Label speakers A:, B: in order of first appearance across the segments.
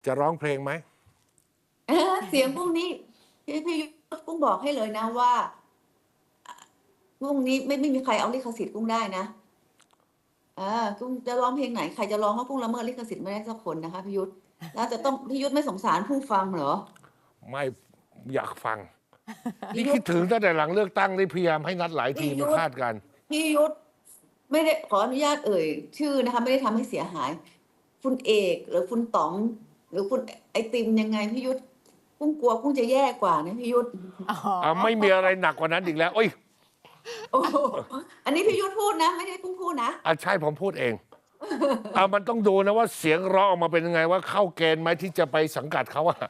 A: จะร้องเพลงไหม
B: เสียงพวกนี้พี่ยุทธกุ้งบอกให้เลยนะว่าพวกนี้ไม่มีใครเอาลิขสิทธิ์กุ้งได้นะกุ้งจะร้องเพลงไหนใครจะร้องว่ากุ้งละเมิดลิขสิทธิ์ไม่ได้สักคนนะคะพี่ยุทธแล้วจะต้องพี่ยุทธไม่สงสารผู้ฟังเหรอ
A: ไม่อยากฟัง นี่
B: พี่ยุทธ
A: คิดถึงตั้งแต่หลังเลือกตั้งได้พยายามให้นัดหลายที
B: พี่ยุ
A: มา
B: ทธ
A: คาดกัน
B: พี่ยุทธไม่ได้ขออนุญาตเอ่ยชื่อนะคะไม่ได้ทำให้เสียหาย คุณเอกหรือคุณต๋อง หรือคุณไอติมยังไงพี่ยุทธกุ้งกลัวกุ้งจะแย่กว่านะพี่ยุทธ
A: ไม่มีอะไรหนักกว่านั้นอีกแล้วโอ้ย
B: โอ้โหอันนี้พี่ยุทธพูดนะ ไม่ได้กุ้งพูดนะ
A: ใช่ผมพูดเองมันต้องดูนะว่าเสียงร้องออกมาเป็นยังไงว่าเข้าเกณฑ์ไหมที่จะไปสังกัดเขาอะ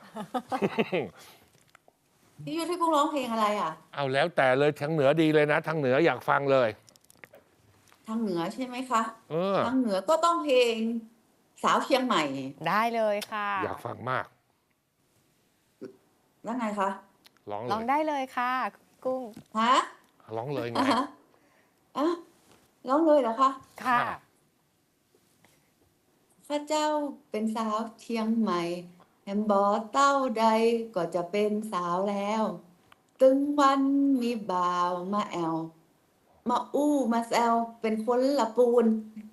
B: พี่ยุทธให้กุ้งร้องเพลงอะไรอ่ะ
A: เอาแล้วแต่เลยทางเหนือดีเลยนะทางเหนืออยากฟังเลย
B: ทางเหนือใช่ไหมคะ
A: ท
B: างเหนือก็ต้องเพลงสาวเชียงใหม่
C: ได้เลยค่ะ
A: อยากฟังมาก
B: แล้วไงคะ
A: ร้องเล
C: ลอง
A: ย
C: ได้เลยค่ะ กุ้ง
B: ฮะ
A: ร้องเลยไง
B: ฮะร้องเลยเหรอคะ
C: ค่ะ
B: ข้าเจ้าเป็นสาวเชียงใหม่แฮมบอเต้าใดก็จะเป็นสาวแล้ว ตึงวันมีบ่าวมาแอว มาอู้มาแซวเป็นคนละปูน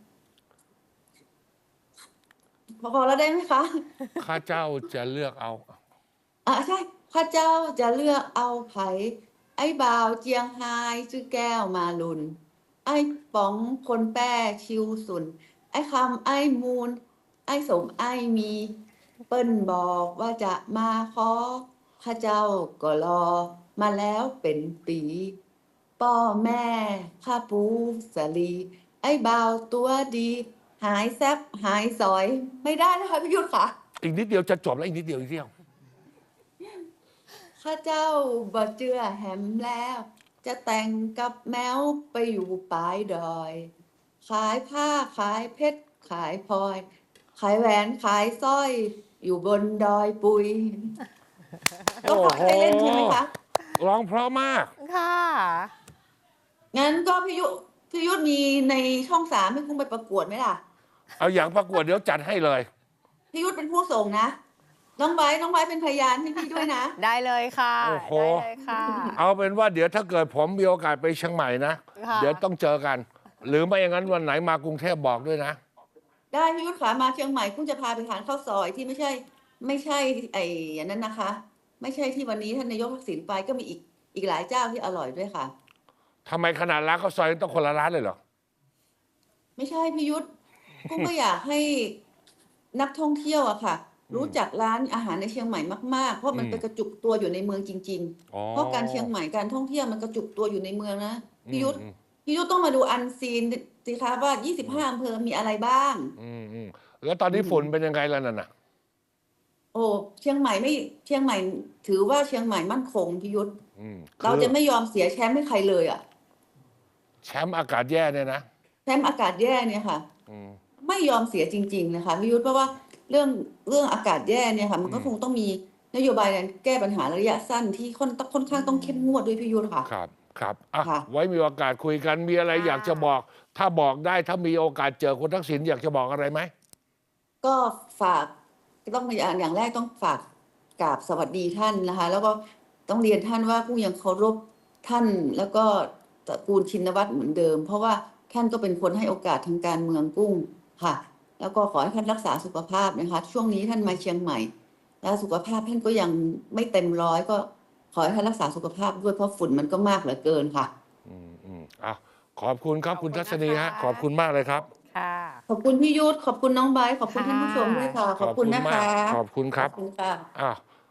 B: พอแล้วได้ไหมคะ
A: ข้าเจ้าจะเลือกเอา
B: ใช่ข้าเจ้าจะเลือกเอาไผไอ้บ่าวเจียงไฮ้ชื่อแก้วมาลุน ไอ้ป๋องคนแป้ชิวสุน ไอ้คำไอ้มูล ไอ้สมไอ้มี เปิ้นบอกว่าจะมาขอข้าเจ้าก็รอ มาแล้วเป็นปีป้อแม่ข้าปูสลี ไอ้บ่าวตัวดี หายแซบหายสอย ไม่ได้นะคะพี่ยุทธค่ะ
A: อีกนิดเดียวจะจบแล้วอีกนิดเดียวอีกเดียว
B: ข้าเจ้าบ่เจือแหมแล้ว จะแต่งกับแมวไปอยู่ปลายดอย ขายผ้าขายเพชรขายพลอย ขายแหวนขายสร้อย อยู่บนดอยปุย
A: โอ้
B: ต้อง
A: โห
B: ขอให้เล่นใช่ไหมคะ
A: ร้องเพราะมาก
C: ค่ะ
B: งั้นก็พี่ยุทธมีในช่อง3ให้คุณไปประกวดไหมล่ะ
A: เอาอย่างประกวดเดี๋ยวจัดให้เลย
B: พี่ยุทธเป็นผู้ส่งนะ น้องไบร์ทเป็นพยานให้พี่ด้วยนะ
C: ได้เลยค่ะ
A: โอ้โห
C: ได้เลยค่ะ
A: เอาเป็นว่าเดี๋ยวถ้าเกิดผมมีโอกาสไปเชียงใหม่นะ
C: ค่ะ
A: เดี๋ยวต้องเจอกัน หรือไม่อย่างนั้นวันไหนมากรุงเทพบอกด้วยนะ
B: ได้พี่ยุทธขามาเชียงใหม่คุณจะพาไปทานข้าวซอยที่ไม่ใช่ไอ้อย่างนั้นนะคะ ไม่ใช่ที่วันนี้ท่านนายกทักษิณไปก็มีอีกหลายเจ้าที่อร่อยด้วยค่ะ
A: ทำไมขนาดร้านข้าวซอยต้องคนละร้านเลยเหรอ
B: ไม่ใช่พี่ยุทธกุ้งก็อยากให้นักท่องเที่ยวอะค่ะ รู้จักร้านอาหารในเชียงใหม่มากๆ เพราะมันไปกระจุกตัวอยู่ในเมืองจริง
A: อ๋อ
B: ๆ เพราะการเชียงใหม่การท่องเที่ยวมันกระจุกตัวอยู่ในเมืองนะพี่ยุทธ
A: อืม
B: พี่ยุทธต้องมาดูอันซีนสิคะว่า25อำเภอมีอะไรบ้าง
A: แล้วตอนนี้ฝุ่นเป็นยังไงแล้วนั่นน่ะ
B: โอ้เชียงใหม่ถือว่าเชียงใหม่มั่นคงพี่ยุทธ เรา
A: คือ
B: จะไม่ยอมเสียแชมป์ให้ใครเลยอ่ะ
A: แชมป์อากาศแย่เนี่ยนะ
B: แชมป์อากาศแย่เนี่ยค่ะ
A: อืม
B: ไม่ยอมเสียจริงๆนะคะพี่ยุทธเพราะว่าเรื่องอากาศแย่เนี่ยค่ะ มันก็คงต้องมีนโยบายการแก้ปัญหาระยะสั้นที่ค่อนข้างต้องเข้มงวดด้วยพี่ยุทธค่ะ
A: ครับอ่ะ
B: ค่ะ
A: ไว้มีโอกาสคุยกันมีอะไรอยากจะบอก ถ้าบอกได้ถ้ามีโอกาสเจอคุณทักษิณอยากจะบอกอะไรไหม
B: ก็ฝากต้องอย่างแรกต้องฝากกราบสวัสดีท่านนะคะ แล้วก็ต้องเรียนท่านว่าผู้ยังเคารพท่านแล้วก็ตระกูลชินวัตรเหมือนเดิม เพราะว่าท่านก็เป็นคนให้โอกาสทางการเมืองกุ้งค่ะ แล้วก็ขอให้ท่านรักษาสุขภาพนะคะ ช่วงนี้ท่านมาเชียงใหม่ แล้วสุขภาพท่านก็ยังไม่เต็มร้อยก็ขอให้ท่านรักษาสุขภาพด้วยเพราะฝุ่นมันก็มากเหลือเกินค่ะ
A: อ่ะขอบคุณครับคุณทัศนีฮะขอบคุณมากเลยครับ
C: ค่ะ
B: ขอบคุณพี่ยุทธขอบคุณน้องไบร์ทขอบคุณท่านผู้ชมด้วยค่ะ ขอบคุณนะคะ
A: ขอบคุณครับ
B: ขอบคุณค่ะ
A: อ้าว